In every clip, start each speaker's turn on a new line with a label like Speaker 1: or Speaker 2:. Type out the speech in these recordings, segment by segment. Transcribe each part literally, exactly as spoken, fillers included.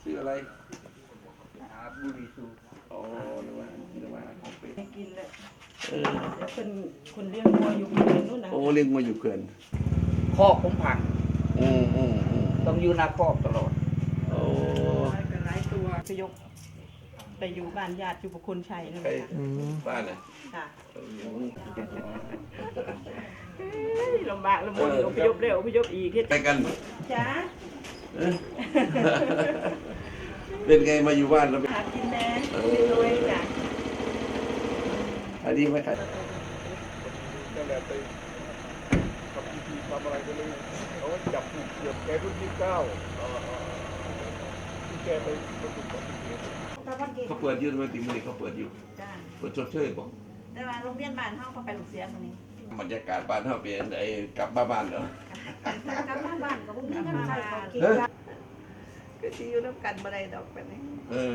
Speaker 1: ซื้ออะไร
Speaker 2: หาบุหรี่สูบ
Speaker 1: อ๋อนึกว่านึกว่าของเป็ด
Speaker 3: ไม่กินเลย
Speaker 1: เออ
Speaker 3: เดี๋ยวคนคนเลี้ยงวัวอยู่ที่นู่นนะ
Speaker 1: โอ้เลี้ยงมาอยู่เขื่อน
Speaker 2: คอกผมพัง
Speaker 1: อืมอืมอืม
Speaker 2: ต้องอยู่หน้าคอกตลอด
Speaker 1: โอ้
Speaker 3: เป็นหลายตัวไปยกไปอยู่บ้านญาติอยู่บุคคลชัยนะ
Speaker 1: ใคร
Speaker 3: คะ
Speaker 1: บ้านน่ะ
Speaker 3: ค่ะ
Speaker 1: เออ
Speaker 3: เฮ้ยลำบากลำบนอพยพเร็วอพยพอีก
Speaker 1: ไปกัน
Speaker 3: จ้า
Speaker 1: เออเป็นไงมาอยู่บ้านแล้วเป็น
Speaker 3: หากินแน่กินรวยจ้ะ
Speaker 1: อันนี้ไม่ขาย
Speaker 4: นั่นแหละไปทำพิธีทำอะไรกันเลยเขาก็จับผูกเกี่ยวแกรุ่นที่เก้าที่แกไปประสบอุบัติเหตุ
Speaker 1: เขาเปิดอยืนมาติมือเขาเปิดอยู่
Speaker 3: จ้า
Speaker 1: เปิดชดเชยบอก
Speaker 3: แต่ว่าโรงเรียนบ้านเฮาเขาไปลูกเสียคนนี้
Speaker 1: บรรยากาศบ้านเขาเป็นไอ้กลับมาบ้านเหรอก
Speaker 3: ลับมาบ้านก็บ่มีเงินใช้ของกินก็สิอยู่นำกันบ่ได้ดอกปานนี้
Speaker 1: เออ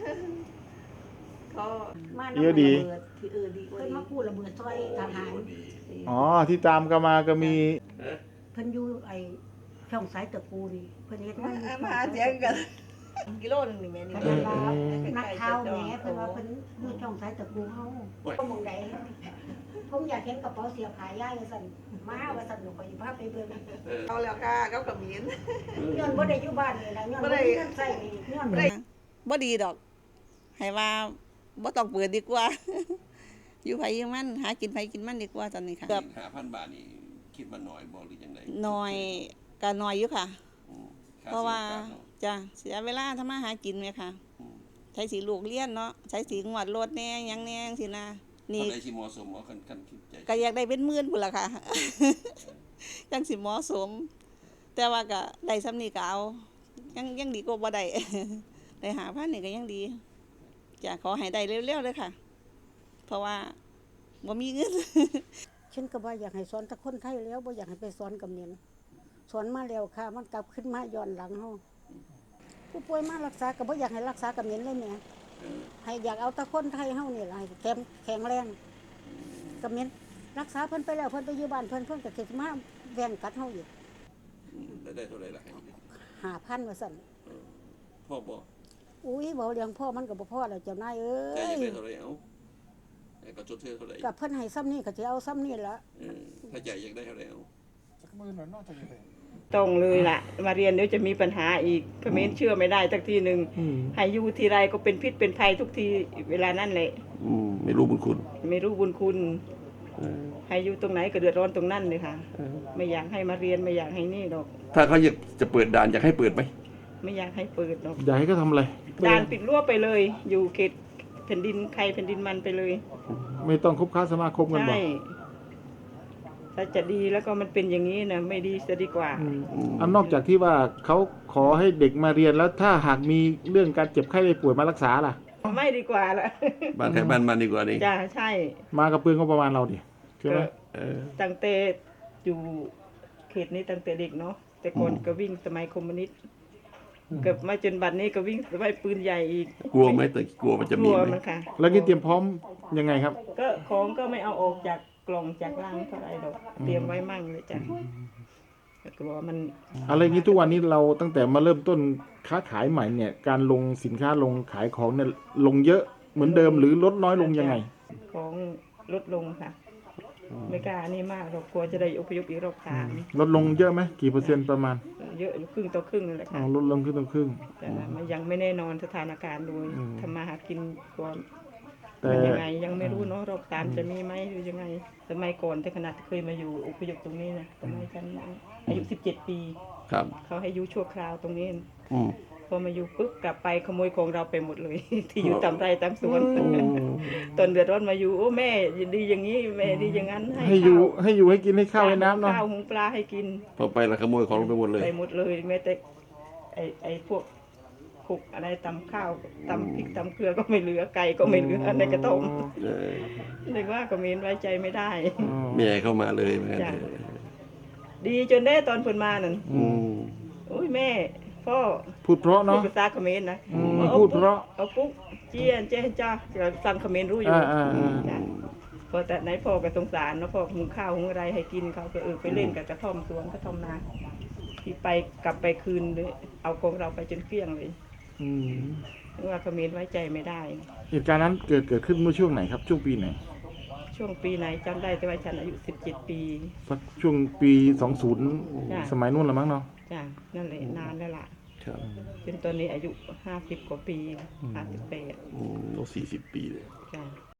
Speaker 3: ก็มา
Speaker 5: เยอะดี
Speaker 3: ที่เออดีกว่า
Speaker 6: เพิ่นมาพูดระเบิดซอยทหาร
Speaker 5: อ๋อที่ตามกันมาก็มี
Speaker 6: เพิ่นอยู่ไอ้ช่องสายตะปูนี่เพิ่นเฮ็ดงานอยู่
Speaker 3: มาหาเสียงกันกิโลนึงนี่แม่นี่
Speaker 6: เพิ่นว่านักข่าวแหมเพิ่นว่าเพิ่นอยู่ช่องสายตะปูเฮาบ่มองใดผมอยากเห็นกระเป๋าเสียบขายย่ายว่าซั่นมาว่าซั่นหนูก็สิพาไปเบิ่ง
Speaker 3: เอาแล้วค่ะเขาก็มีน
Speaker 6: ย้อนบ่ได้อยู่บ้านนี่ล่ะย้อนบ่ได้เงินใช้นี่ย้อนบ่ได้
Speaker 7: บ่ดีดอกให้ว่าบ่ต้องเปิดดีกว่า อยู่ไผอยู่มันหากินไผกินมันดีกว่าตอนนี้ค่ะเกือบ
Speaker 1: ห้าพันบาทนี่คิดมาหน่อยบอกหรือยังไง
Speaker 7: น้อยก็น้อยอยู่ค่ะ
Speaker 1: อืมค่
Speaker 7: เพราะว่า
Speaker 1: สียโอกสเนอะ
Speaker 7: จ้ะเสียเวลาทำมาหากินไหมค่ะ
Speaker 1: อืม
Speaker 7: ใช้สีลูกเลี้ยนเนาะใช้สีงวดรถแน่หยังแน่จังซี่นะนี่
Speaker 1: คนใดที่เหมาะสมเอากันกันคิดใจ
Speaker 7: ก็อยากได้เป็นหมื่นพุ่นล่ะค่ะ จังสิเหมาะสม แต่ว่าก็ได้ซ้ำนี้ก็เอายังยังดีกว่าบ่ได้ ได้หาพันนี่ก็ยังดีจ้ะขอให้ได้เร็วๆเลยค่ะ เพราะว่าบ่มีเงิน
Speaker 6: ฉันก็บ่อยากให้สอนแต่คนไทยแล้วบ่อยากให้ไปสอนกับเมียนสอนมาแล้วค่ะมันกลับขึ้นมาย้อนหลังเฮาผู้ป่วยมารักษาก็บ่อยากให้รักษากับเมียนเลยแหมให้อยากเอาแต่คนไทยเฮานี่ล่ะให้แข็งแข็งแรงกับเมียนรักษาเพิ่นไปแล้วเพิ่นไปอยู่บ้านเพิ่นเพิ่นก็สิมาแว่งกัดเฮาอีก
Speaker 1: อืมได้ได้เท่าไหร่ล่ะให้
Speaker 6: ห้าพันว่าซั่น
Speaker 1: พ่อบอก
Speaker 6: อุ้ยบ่เลี้ยงพ่อมันก็บ่พอแล้วเจ้านายเอ้
Speaker 1: ใจอยาก
Speaker 6: ย
Speaker 1: ได้เท่าไหร่เอาไอ้ก็ชดเชยเท่าไหร่
Speaker 6: กับเพิ่นให้ซ้ำนี่ก็สิเอาซ้ำนี่ล่ะ
Speaker 1: เออถ้าใจอยากได้เท่าไหร่เอา
Speaker 4: สักมือหน่อยนอกจากนี้
Speaker 3: ต้องเลยล่ะมาเรียนเดี๋ยวจะมีปัญหาอีกเขมรเชื่อไม่ได้สักทีนึงให้อยู่ทีไรก็เป็นพิษเป็นภัยทุกทีเวลานั้นแหละ
Speaker 1: อืมไม่รู้บุญคุณ
Speaker 3: ไม่รู้บุญคุณ
Speaker 1: เออ
Speaker 3: ให้อยู่ตรงไหนก็เดือดร้อนตรงนั้นเลยค่ะ ไม่อยากให้มาเรียนไม่อยากให้นี่ดอก
Speaker 1: ถ้าเขาอยากจะเปิดด่านอยากให้เปิดไหม
Speaker 3: ไม่อยากให้เปิดดอก
Speaker 5: อยากให้เขาทำอะไร
Speaker 3: ด่านปิดรั้วไปเลย อยู่เขตแผ่นดินใครแผ่นดินมันไปเลย
Speaker 5: ไม่ต้องคบค้าสมาคมกันบ่
Speaker 3: ใช่ถ้าจะดีแล้วก็มันเป็นอย่างนี้นะไม่ดีจะดีกว่า
Speaker 5: อืมอันนอกจากที่ว่าเขาขอให้เด็กมาเรียนแล้วถ้าหากมีเรื่องการเจ็บไข้ได้ป่วยมารักษาล่ะ
Speaker 3: ไม่ดีกว่าละ
Speaker 1: บ้านใครบ้านมันดีกว่านี่
Speaker 3: จ้าใช่
Speaker 5: มากับเปลืองก็ประมาณเราดิใช่ไหม
Speaker 1: เออ
Speaker 3: ตั้งแต่อยู่เขตนี้ตั้งแต่เด็กเนาะแต่ก่อน
Speaker 1: อืม
Speaker 3: ก็วิ่งสมัยคอมมิวนิสต์เกือบมาจนบัดนี้ก็วิ่งสมัยปืนใหญ่อีก
Speaker 1: กลัวไหมแต่กลัวมันจะ
Speaker 3: ก
Speaker 1: มี
Speaker 3: ลัว
Speaker 1: ไหม
Speaker 3: มันค่ะ
Speaker 5: แล้วนี่เตรียมพร้อมยังไงครับ
Speaker 3: ก็ของก็ไม่เอาออกจากกล่องจากลังเท่าไหร่ดอกเตรียมไว้มั่งเลยจ้ะแต่กลัวมัน
Speaker 5: อะไรงี้ทุกวันนี้เราตั้งแต่มาเริ่มต้นค้าขายใหม่เนี่ย การลงสินค้าลงขายของเนี่ยลงเยอะเหมือนเดิมหรือลดน้อยลงยังไง
Speaker 3: ของลดลงค่ะ ไม่กล้านี่มากเรากลัวจะได้อพยพอีกรอบสาม
Speaker 5: ลดลงเยอะไหมกี่เปอร์เซ็นต์ประมาณ
Speaker 3: เยอะอยู่ครึ่งต่อครึ่งนั่นแหละ
Speaker 5: อ๋อ
Speaker 3: ค่ะ
Speaker 5: ลดลงครึ่งต่อครึ่ง
Speaker 3: แต่มันยังไม่แน่นอนสถานการณ์โดย
Speaker 5: อืม
Speaker 3: ทำมาหากินก่อน
Speaker 5: แต่
Speaker 3: มันยังไงยังไม่รู้เนาะรอบสามจะมีไหมหรือยังไงสมัยก่อนแต่ขนาดเคยมาอยู่อพยพตรงนี้นะสมัยฉันอายุสิบเจ็ดปี
Speaker 1: ครับ
Speaker 3: เขาให้อยู่ชั่วคราวตรงนี้
Speaker 1: อืม
Speaker 3: พอมาอยู่ปุ๊บกลับไปขโมยของเราไปหมดเลย ที่อยู่ตามไร่ตามสวน
Speaker 1: โอ้
Speaker 3: ตอนเดือดร้อนมาอยู่โอ้แม่ดีอย่างนี้แม่ดีอย่างนั้น
Speaker 5: ให้อยู่
Speaker 3: ข้าว
Speaker 5: ให้อยู่ให้กินให้ข้าวให้น้ำเนาะ
Speaker 3: ข้าวหุงปลาให้กิน
Speaker 1: พอไปและขโมยของลงไปหมดเลย
Speaker 3: ไปหมดเลยแม้แต่ไอ้ไอ้พวกขุกอะไรตำข้าวตำพริกตำเกลือก็ไม่เหลือไก่ก็ไม่เหลือในกระต้ม
Speaker 1: เออ
Speaker 3: เรียกว่าก็มีไว้ใจไม่ได้
Speaker 5: อ๋อ
Speaker 1: ไม่ให้เข้ามาเลยเหมือนกัน
Speaker 3: จ้ะ ดีจนได้ตอนเพิ่นมานั่น
Speaker 1: อืม
Speaker 3: โอ้ยแม่พ่อ
Speaker 5: พูดเพราะ
Speaker 3: พูด
Speaker 5: เนาะ
Speaker 3: ภาษาเขมรนะ
Speaker 5: อืม
Speaker 3: อ
Speaker 5: พูดเพราะ
Speaker 3: เอาปุ๊กเจียนเจนจ้าจะฟังเขมรรู้อยู่
Speaker 5: อ่าอ่าอ่า
Speaker 3: จ้ะพอแต่ไหนพ่อก็สงสารเนาะพ่อหุงข้าวหุงอะไรให้กินเขาก็เออไปเล่นกับกระท่อมสวนกระท่อมนาที่ไปกลับไปคืนเลยเอาของเราไปจนเกลี้ยงเลย
Speaker 5: อืม
Speaker 3: ว่าเขมรไว้ใจไม่ได้
Speaker 5: เหตุการณ์นั้นเกิดเกิดขึ้นเมื่อช่วงไหนครับช่วงปีไหน
Speaker 3: ช่วงปีไหนจำได้แต่ว่าฉันอายุสิบเจ็ดปี
Speaker 5: สักช่วงปีสองศูนย์
Speaker 3: จ้ะ
Speaker 5: สมัยนู้นละมั้งเนาะ
Speaker 3: จ้ะนั่นแหละนานแล้วล่ะ
Speaker 1: ครับ
Speaker 3: จนตอนนี้อายุห้าสิบกว่าปีห้าสิบแปด
Speaker 1: อืมต้องสี่สิบปีเลย
Speaker 3: จ้ะ